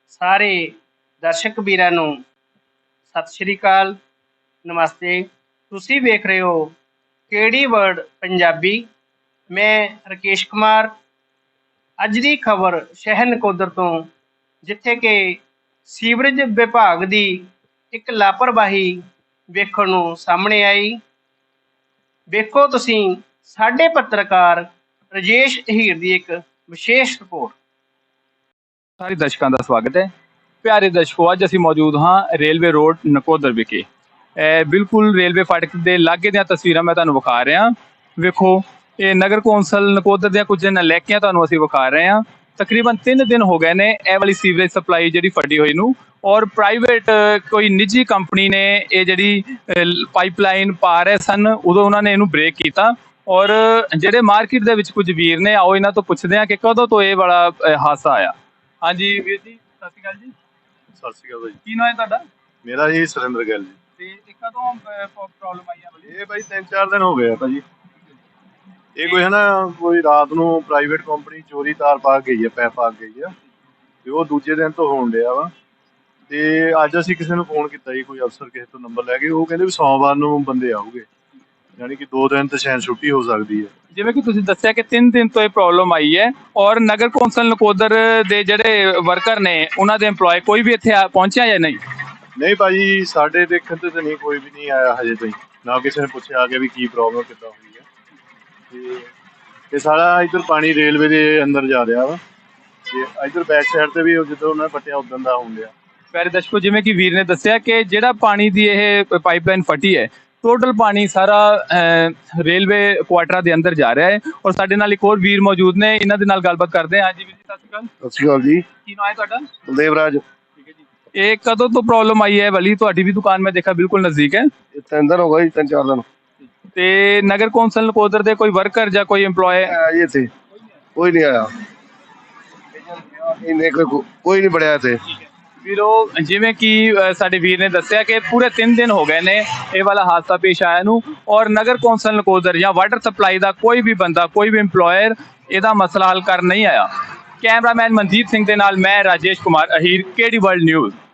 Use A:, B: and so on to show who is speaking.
A: ਸਾਰੇ ਦਰਸ਼ਕ ਵੀਰਾਂ ਨੂੰ ਸਤਿ ਸ਼੍ਰੀ ਅਕਾਲ, ਨਮਸਤੇ। ਤੁਸੀਂ ਵੇਖ ਰਹੇ ਹੋ KD ਵਰਡ ਪੰਜਾਬੀ। ਮੈਂ ਰਕੇਸ਼ ਕੁਮਾਰ। ਅੱਜ ਦੀ ਖਬਰ ਸ਼ਹਿਰ ਨਕੋਦਰ ਤੋਂ, ਜਿੱਥੇ ਕਿ ਸੀਵਰੇਜ ਵਿਭਾਗ ਦੀ ਇੱਕ ਲਾਪਰਵਾਹੀ ਵੇਖਣ ਨੂੰ ਸਾਹਮਣੇ ਆਈ। ਵੇਖੋ ਤੁਸੀਂ ਸਾਡੇ ਪੱਤਰਕਾਰ ਰਜੇਸ਼ ਅਹੀਰ ਦੀ ਇੱਕ ਵਿਸ਼ੇਸ਼ ਰਿਪੋਰਟ।
B: ਸਾਰੇ ਦਰਸ਼ਕਾਂ ਦਾ ਸਵਾਗਤ ਹੈ। ਪਿਆਰੇ ਦਰਸ਼ਕੋ, ਅੱਜ ਅਸੀਂ ਮੌਜੂਦ ਹਾਂ ਰੇਲਵੇ ਰੋਡ ਨਕੋਦਰ ਵਿਖੇ। ਬਿਲਕੁਲ ਰੇਲਵੇ ਫਾਟਕ ਦੇ ਲਾਗੇ ਦੀਆਂ ਤਸਵੀਰਾਂ ਮੈਂ ਤੁਹਾਨੂੰ ਵਿਖਾ ਰਿਹਾ। ਵੇਖੋ, ਇਹ ਨਗਰ ਕੌਂਸਲ ਨਕੋਦਰ ਦੀਆਂ ਕੁਝ ਨਲੈਕੀਆਂ ਤੁਹਾਨੂੰ ਅਸੀਂ ਵਿਖਾ ਰਹੇ ਹਾਂ। ਤਕਰੀਬਨ 3 ਦਿਨ ਹੋ ਗਏ ਨੇ ਇਹ ਵਾਲੀ ਸੀਵਰੇਜ ਸਪਲਾਈ ਜਿਹੜੀ ਫਟੀ ਹੋਈ ਨੂੰ, ਔਰ ਪ੍ਰਾਈਵੇਟ ਕੋਈ ਨਿੱਜੀ ਕੰਪਨੀ ਨੇ ਇਹ ਜਿਹੜੀ ਪਾਈਪਲਾਈਨ ਪਾ ਰਹੇ ਸਨ, ਉਦੋਂ ਉਹਨਾਂ ਨੇ ਇਹਨੂੰ ਬ੍ਰੇਕ ਕੀਤਾ। ਔਰ ਜਿਹੜੇ ਮਾਰਕੀਟ ਦੇ ਵਿੱਚ ਕੁਝ ਵੀਰ ਨੇ, ਆਓ ਇਹਨਾਂ ਤੋਂ ਪੁੱਛਦੇ ਹਾਂ ਕਿ ਕਦੋਂ ਤੋਂ ਇਹ ਵਾਲਾ ਹਾਦਸਾ ਆਇਆ। ਹਾਂਜੀ ਵੀਰ ਜੀ, ਸਤਿ ਸ਼੍ਰੀ ਅਕਾਲ ਜੀ।
C: ਸਤਿ ਸ਼੍ਰੀ ਅਕਾਲ ਭਾਈ।
B: ਕੀ ਨਾਮ ਹੈ ਤੁਹਾਡਾ?
C: ਮੇਰਾ ਜੀ ਸੁਰਿੰਦਰ ਗਿੱਲ ਜੀ।
B: ਤੇ ਇਹ ਕਦੋਂ ਪ੍ਰੋਬਲਮ ਆਈ ਆ?
C: ਇਹ ਭਾਈ 3-4 ਦਿਨ ਹੋ ਗਏ ਆ ਭਾਜੀ। ਇਹ ਕੋਈ ਹੈ ਨਾ, ਕੋਈ ਰਾਤ ਨੂੰ ਪ੍ਰਾਈਵੇਟ ਕੰਪਨੀ ਚੋਰੀ ਤਾਰ ਪਾ ਕੇ ਗਈ ਹੈ, ਪੈਪ ਪਾ ਕੇ ਗਈ ਆ, ਤੇ ਉਹ ਦੂਜੇ ਦਿਨ ਤੋਂ ਹੋਣ ਡਿਆ ਵਾ। ਤੇ ਅੱਜ ਅਸੀਂ ਕਿਸੇ ਨੂੰ ਫੋਨ ਕੀਤਾ ਜੀ, ਕੋਈ ਅਫਸਰ ਕਿਸੇ ਤੋਂ ਨੰਬਰ ਲੈ ਕੇ, ਉਹ ਕਹਿੰਦੇ ਵੀ ਸੋਮਵਾਰ ਨੂੰ ਬੰਦੇ ਆਉਗੇ, ਯਾਨੀ ਕਿ 2 ਦਿਨ ਤੇ ਸ਼ਾਇਦ ਛੁੱਟੀ ਹੋ ਸਕਦੀ ਹੈ।
B: ਜਿਵੇਂ ਕਿ ਤੁਸੀਂ ਦੱਸਿਆ ਕਿ 3 ਦਿਨ ਤੋਂ ਇਹ ਪ੍ਰੋਬਲਮ ਆਈ ਹੈ, ਔਰ ਨਗਰ ਕੌਂਸਲ ਨਕੋਦਰ ਦੇ ਜਿਹੜੇ ਵਰਕਰ ਨੇ, ਉਹਨਾਂ ਦੇ EMPLOYE ਕੋਈ ਵੀ ਇੱਥੇ ਪਹੁੰਚਿਆ ਜਾਂ ਨਹੀਂ?
C: ਨਹੀਂ ਭਾਜੀ, ਸਾਡੇ ਦੇਖਣ ਤੇ ਤਾਂ ਨਹੀਂ, ਕੋਈ ਵੀ ਨਹੀਂ ਆਇਆ ਹਜੇ ਤਾਈਂ, ਨਾ ਕਿਸੇ ਨੇ ਪੁੱਛਿਆ ਆ ਕੇ ਵੀ ਕੀ ਪ੍ਰੋਬਲਮ ਕਿੱਦਾਂ ਹੋਈ ਹੈ। ਤੇ ਇਹ ਸਾਰਾ ਇੱਧਰ ਪਾਣੀ ਰੇਲਵੇ ਦੇ ਅੰਦਰ ਜਾ ਰਿਹਾ ਵਾ, ਤੇ ਇੱਧਰ ਬੈਕ ਸਾਈਡ ਤੇ ਵੀ ਜਦੋਂ ਉਹਨਾਂ ਨੇ ਪੱਟਿਆ ਉਦੋਂ ਦਾ ਹੋਣ ਡਿਆ।
B: ਪਿਆਰੇ ਦਰਸ਼ਕੋ, ਜਿਵੇਂ ਕਿ ਵੀਰ ਨੇ ਦੱਸਿਆ ਕਿ ਜਿਹੜਾ ਪਾਣੀ ਦੀ ਇਹ ਪਾਈਪਲਾਈਨ ਫਟੀ ਹੈ, ਟੋਟਲ ਪਾਣੀ ਸਾਰਾ ਰੇਲਵੇ ਕੁਆਟਰਾਂ ਦੇ ਅੰਦਰ ਜਾ ਰਿਹਾ ਹੈ। ਔਰ ਸਾਡੇ ਨਾਲ ਇੱਕ ਹੋਰ ਵੀਰ ਮੌਜੂਦ ਨੇ, ਇਹਨਾਂ ਦੇ ਨਾਲ ਗੱਲਬਾਤ ਕਰਦੇ ਹਾਂ। ਹਾਂਜੀ ਵੀਰ ਜੀ, ਸਤਿ ਸ਼੍ਰੀ ਅਕਾਲ।
C: ਸਤਿ ਸ਼੍ਰੀ ਅਕਾਲ ਜੀ।
B: ਕੀ ਨਾਮ ਹੈ ਤੁਹਾਡਾ?
C: ਦੇਵਰਾਜ।
B: ਠੀਕ ਹੈ ਜੀ। ਇਹ ਕਦੋਂ ਤੋਂ ਪ੍ਰੋਬਲਮ ਆਈ ਹੈ ਵਾਲੀ? ਤੁਹਾਡੀ ਵੀ ਦੁਕਾਨ ਮੈਂ ਦੇਖਾ ਬਿਲਕੁਲ ਨਜ਼ਦੀਕ ਹੈ।
C: 3 ਦਿਨ ਹੋ ਗਏ ਜੀ, 3-4 ਦਿਨ।
B: ਤੇ ਨਗਰ ਕੌਂਸਲ ਨਕੋਦਰ ਦੇ ਕੋਈ ਵਰਕਰ ਜਾਂ ਕੋਈ EMPLOYE
C: ਆਇਆ ਇੱਥੇ? ਕੋਈ ਨਹੀਂ ਆਇਆ, ਇਹਨੇ ਕੋਈ ਨਹੀਂ ਬੜਿਆ ਇੱਥੇ।
B: ਵੀਰੋ, ਜਿਵੇਂ ਕਿ ਸਾਡੇ ਵੀਰ ਨੇ ਦੱਸਿਆ ਕਿ ਪੂਰੇ 3 ਦਿਨ ਹੋ ਗਏ ਨੇ ਇਹ ਵਾਲਾ ਹਾਦਸਾ ਪੇਸ਼ ਆਇਆ ਨੂੰ, ਔਰ ਨਗਰ ਕੌਂਸਲ ਨਕੋਦਰ ਜਾਂ ਵਾਟਰ ਸਪਲਾਈ ਦਾ ਕੋਈ ਵੀ ਬੰਦਾ, ਕੋਈ ਵੀ EMPLOYER ਇਹਦਾ ਮਸਲਾ ਹੱਲ ਕਰ ਨਹੀਂ ਆਇਆ। ਕੈਮਰਾਮੈਨ ਮਨਜੀਤ ਸਿੰਘ ਦੇ ਨਾਲ ਮੈਂ Rajesh Kumar Ahir, KD world news.